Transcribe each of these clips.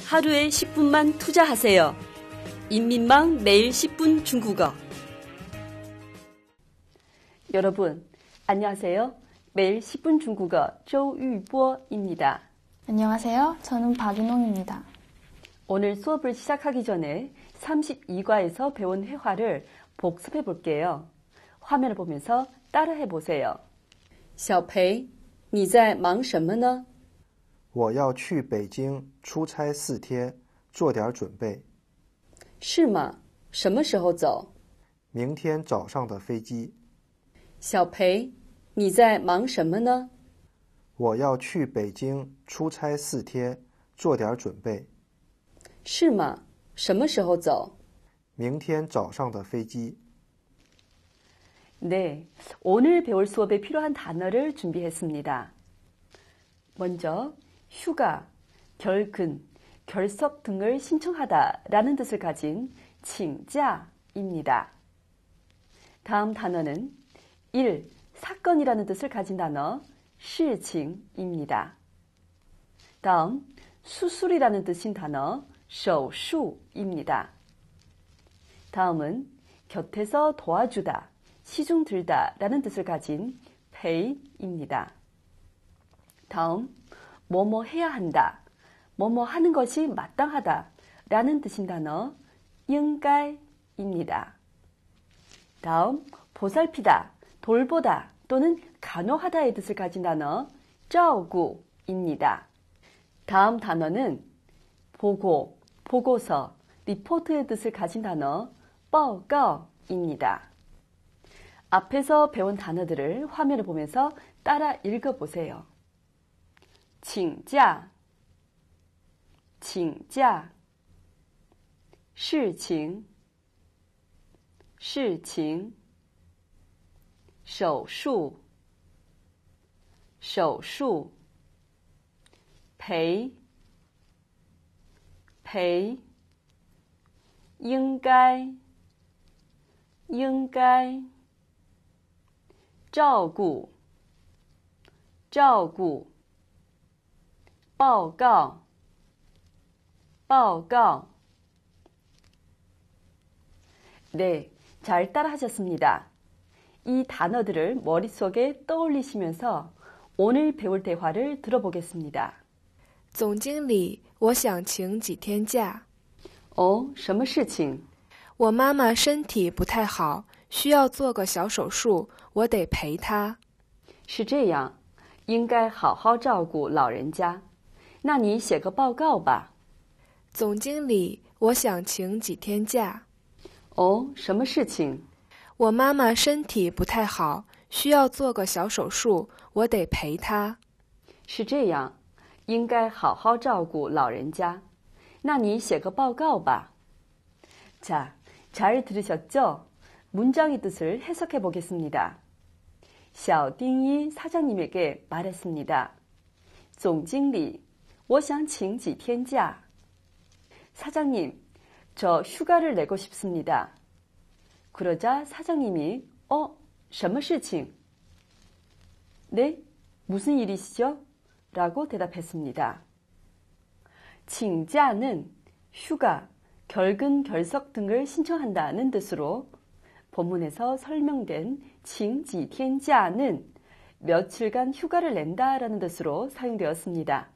하루에 10분만 투자하세요. 인민망 매일 10분 중국어. 여러분, 안녕하세요. 매일 10분 중국어 조유보입니다. 안녕하세요. 저는 박윤홍입니다. 오늘 수업을 시작하기 전에 32과에서 배운 회화를 복습해 볼게요. 화면을 보면서 따라해 보세요. 小裴,你在忙什么呢? 我要去北京出差4天，做点准备。 是吗？什么时候走？ 明天早上的飞机。 小裴，你在忙什么呢？ 我要去北京出差4天，做点准备。 是吗？什么时候走？ 明天早上的飞机。 네, 오늘 배울 수업에 필요한 단어를 준비했습니다. 먼저 휴가, 결근, 결석 등을 신청하다라는 뜻을 가진 칭자입니다. 다음 단어는 일, 사건이라는 뜻을 가진 단어 시칭입니다. 다음 수술이라는 뜻인 단어 手术입니다. 다음은 곁에서 도와주다, 시중 들다 라는 뜻을 가진 페이입니다. 다음 뭐뭐 해야 한다, 뭐뭐 하는 것이 마땅하다 라는 뜻인 단어 应该입니다. 다음 보살피다, 돌보다 또는 간호하다의 뜻을 가진 단어 照顾입니다. 다음 단어는 보고, 보고서, 리포트의 뜻을 가진 단어 报告입니다. 앞에서 배운 단어들을 화면을 보면서 따라 읽어보세요. 请假, 请假, 事情, 事情, 手术, 手术, 赔, 赔, 应该, 应该, 照顾, 照顾, 报告, 报告. 네, 잘 따라하셨습니다. 이 단어들을 머릿속에 떠올리시면서 오늘 배울 대화를 들어보겠습니다. 总经理，我想请几天假。 什么事情？ 我妈妈身体不太好，需要做个小手术，我得陪她。 是这样，应该好好照顾老人家。那你写个报告吧。 总经理，我想请几天假。 什么事情？ 我妈妈身体不太好，需要做个小手术，我得陪她。 是这样，应该好好照顾老人家。那你写个报告吧。 자, 잘 들으셨죠? 문장의 뜻을 해석해 보겠습니다. 小丁一 사장님에게 말했습니다. 总经理,我想请几天假. 사장님, 저 휴가를 내고 싶습니다. 그러자 사장님이 什么事情? 네? 무슨 일이시죠? 라고 대답했습니다. 请假는 휴가, 결근, 결석 등을 신청한다는 뜻으로 본문에서 설명된 请几天假는 며칠간 휴가를 낸다라는 뜻으로 사용되었습니다.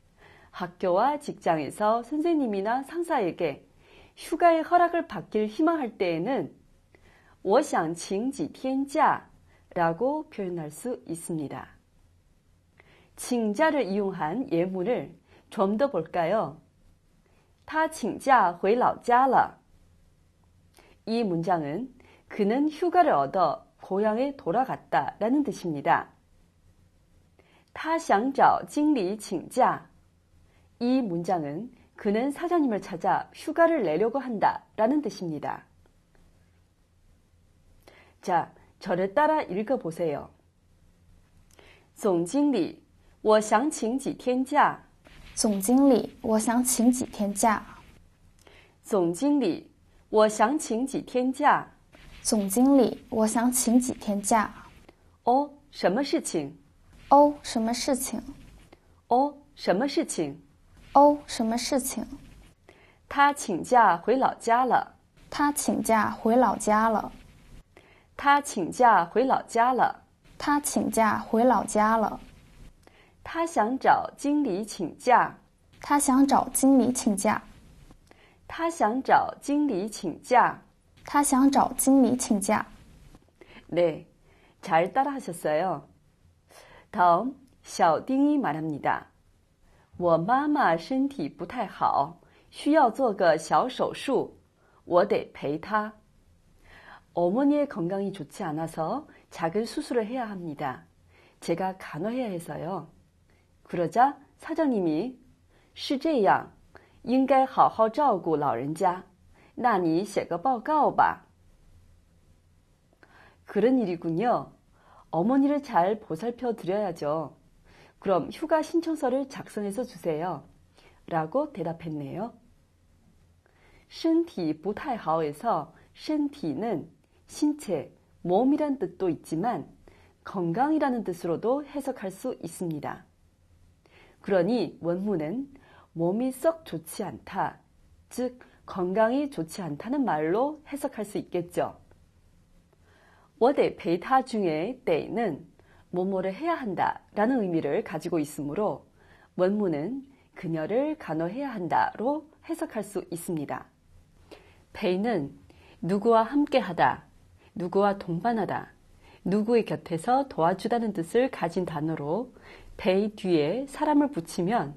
학교와 직장에서 선생님이나 상사에게 휴가의 허락을 받길 희망할 때에는 我想请几天假라고 표현할 수 있습니다. 请假를 이용한 예문을 좀 더 볼까요? 他请假回老家了. 이 문장은 그는 휴가를 얻어 고향에 돌아갔다 라는 뜻입니다. 他想找经理请假. 이 문장은 그는 사장님을 찾아 휴가를 내려고 한다 라는 뜻입니다. 자, 저를 따라 읽어보세요. 总经理,我想请几天假。 总经理，我想请几天假。 总经理，我想请几天假。 总经理，我想请几天假。 什么事情？ 什么事情？ 什么事情？ 哦，什么事情？ 他请假回老家了。 他请假回老家了。 他请假回老家了。 他请假回老家了。 他想找经理请假。 他想找经理请假。 他想找经理请假。 他想找经理请假。 네, 잘 따라하셨어요. 다음, 小丁一 말합니다. 我妈妈身体不太好，需要做个小手术，我得陪她。 어머니의 건강이 좋지 않아서 작은 수술을 해야 합니다. 제가 간호해야 해서요. 그러자 사장님이 是这样，应该好好照顾老人家。那你写个报告吧。 그런 일이군요. 어머니를 잘 보살펴 드려야죠. 그럼 휴가 신청서를 작성해서 주세요. 라고 대답했네요. 身体不太好에서 身体는 신체, 몸이란 뜻도 있지만 건강이라는 뜻으로도 해석할 수 있습니다. 그러니 원문은 몸이 썩 좋지 않다, 즉 건강이 좋지 않다는 말로 해석할 수 있겠죠. 我得陪他 중에 得는 뭐뭐를 해야 한다 라는 의미를 가지고 있으므로 원문은 그녀를 간호해야 한다로 해석할 수 있습니다. 陪는 누구와 함께하다, 누구와 동반하다, 누구의 곁에서 도와주다는 뜻을 가진 단어로 陪 뒤에 사람을 붙이면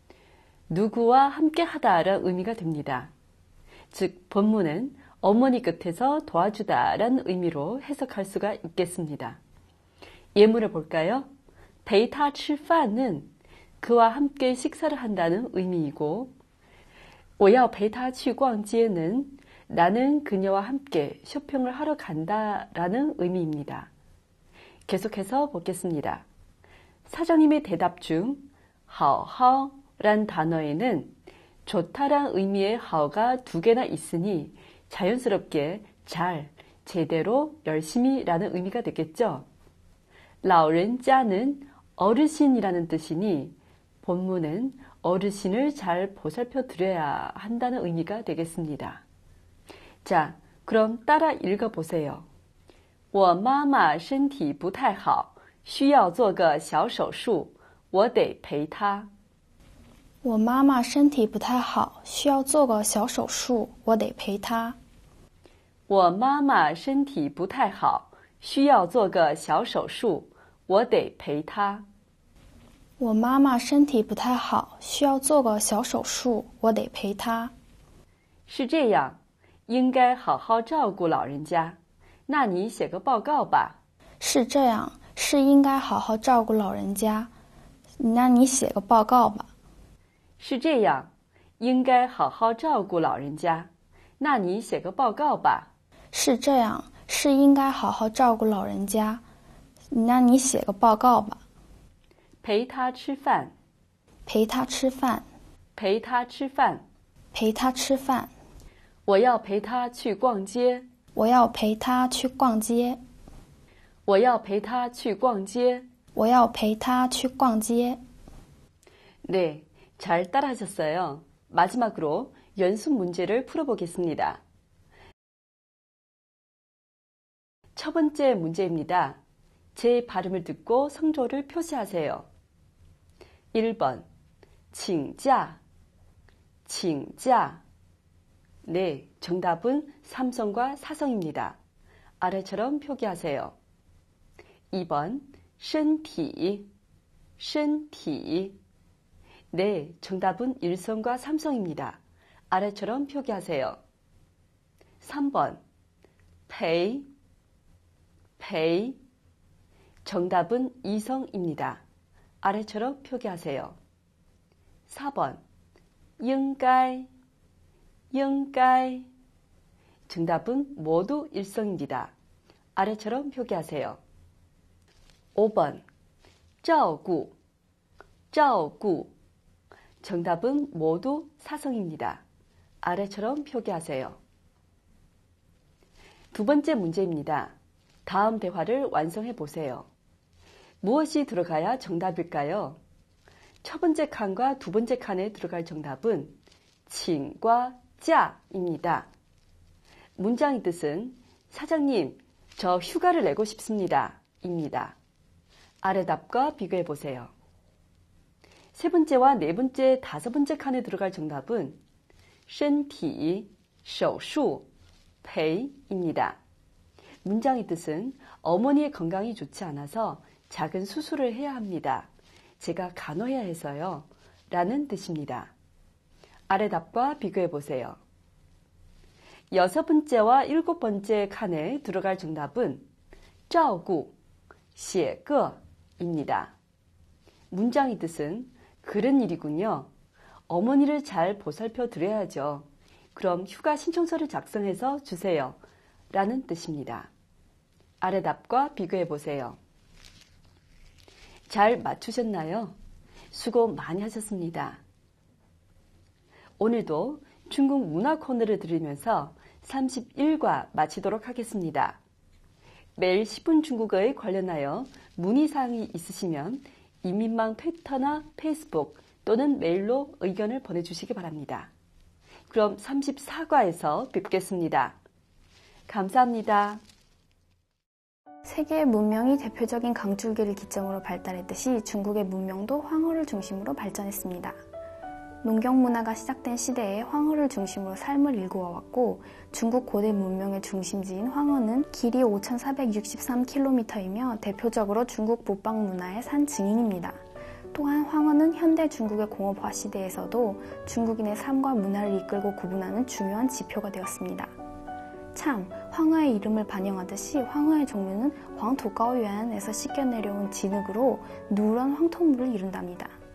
누구와 함께하다라는 의미가 됩니다. 즉 본문은 어머니 곁에서 도와주다라는 의미로 해석할 수가 있겠습니다. 예문을 볼까요? 陪他吃饭는 그와 함께 식사를 한다는 의미이고 我要陪他去逛街는 나는 그녀와 함께 쇼핑을 하러 간다라는 의미입니다. 계속해서 보겠습니다. 사장님의 대답 중 好好란 단어에는 좋다란 의미의 好가 두 개나 있으니 자연스럽게 잘, 제대로, 열심히 라는 의미가 되겠죠. 老人家는 어르신이라는 뜻이니 본문은 어르신을 잘 보살펴 드려야 한다는 의미가 되겠습니다. 자, 그럼 따라 읽어보세요. 我妈妈身体不太好，需要做个小手术，我得陪她。 我妈妈身体不太好，需要做个小手术，我得陪她。 我妈妈身体不太好，需要做个小手术，我得陪她。 我妈妈身体不太好，需要做个小手术，我得陪她。 是这样，应该好好照顾老人家。那你写个报告吧。 是这样，是应该好好照顾老人家。那你写个报告吧。 是这样，应该好好照顾老人家。那你写个报告吧。 是这样，是应该好好照顾老人家。那你写个报告吧。 陪他吃饭。 陪他吃饭。 陪他吃饭。 陪他吃饭。 我要陪他去逛街。 我要陪他去逛街。 我要陪他去逛街。 我要陪他去逛街。 네, 잘 따라하셨어요. 마지막으로 연습 문제를 풀어보겠습니다. 첫 번째 문제입니다. 제 발음을 듣고 성조를 표시하세요. 1번, 请假, 请假. 네, 정답은 삼성과 사성입니다. 아래처럼 표기하세요. 2번, 身体, 身体. 네, 정답은 일성과 삼성입니다. 아래처럼 표기하세요. 3번, 陪, 陪. 정답은 이성입니다. 아래처럼 표기하세요. 4번, 应该, 应该. 정답은 모두 일성입니다. 아래처럼 표기하세요. 5번, 照顾, 照顾. 정답은 모두 사성입니다. 아래처럼 표기하세요. 두 번째 문제입니다. 다음 대화를 완성해 보세요. 무엇이 들어가야 정답일까요? 첫 번째 칸과 두 번째 칸에 들어갈 정답은 칭과 짜입니다. 문장의 뜻은 사장님, 저 휴가를 내고 싶습니다. 입니다. 아래 답과 비교해 보세요. 세 번째와 네 번째, 다섯 번째 칸에 들어갈 정답은 身体手术赔입니다. 문장의 뜻은 어머니의 건강이 좋지 않아서 작은 수술을 해야 합니다. 제가 간호해야 해서요. 라는 뜻입니다. 아래 답과 비교해 보세요. 여섯 번째와 일곱 번째 칸에 들어갈 정답은 照顾写个입니다. 문장의 뜻은 그런 일이군요. 어머니를 잘 보살펴 드려야죠. 그럼 휴가 신청서를 작성해서 주세요. 라는 뜻입니다. 아래 답과 비교해 보세요. 잘 맞추셨나요? 수고 많이 하셨습니다. 오늘도 중국 문화 코너를 들으면서 31과 마치도록 하겠습니다. 매일 10분 중국어에 관련하여 문의사항이 있으시면 인민망 트위터나 페이스북 또는 메일로 의견을 보내주시기 바랍니다. 그럼 34과에서 뵙겠습니다. 감사합니다. 세계의 문명이 대표적인 강줄기를 기점으로 발달했듯이 중국의 문명도 황허를 중심으로 발전했습니다. 농경 문화가 시작된 시대에 황허를 중심으로 삶을 일구어왔고 중국 고대 문명의 중심지인 황허는 길이 5,463km이며 대표적으로 중국 북방 문화의 산 증인입니다. 또한 황허는 현대 중국의 공업화 시대에서도 중국인의 삶과 문화를 이끌고 구분하는 중요한 지표가 되었습니다. 참, 황허의 이름을 반영하듯이 황허의 종류는 황토高原에서 씻겨 내려온 진흙으로 누런 황토물을 이룬답니다.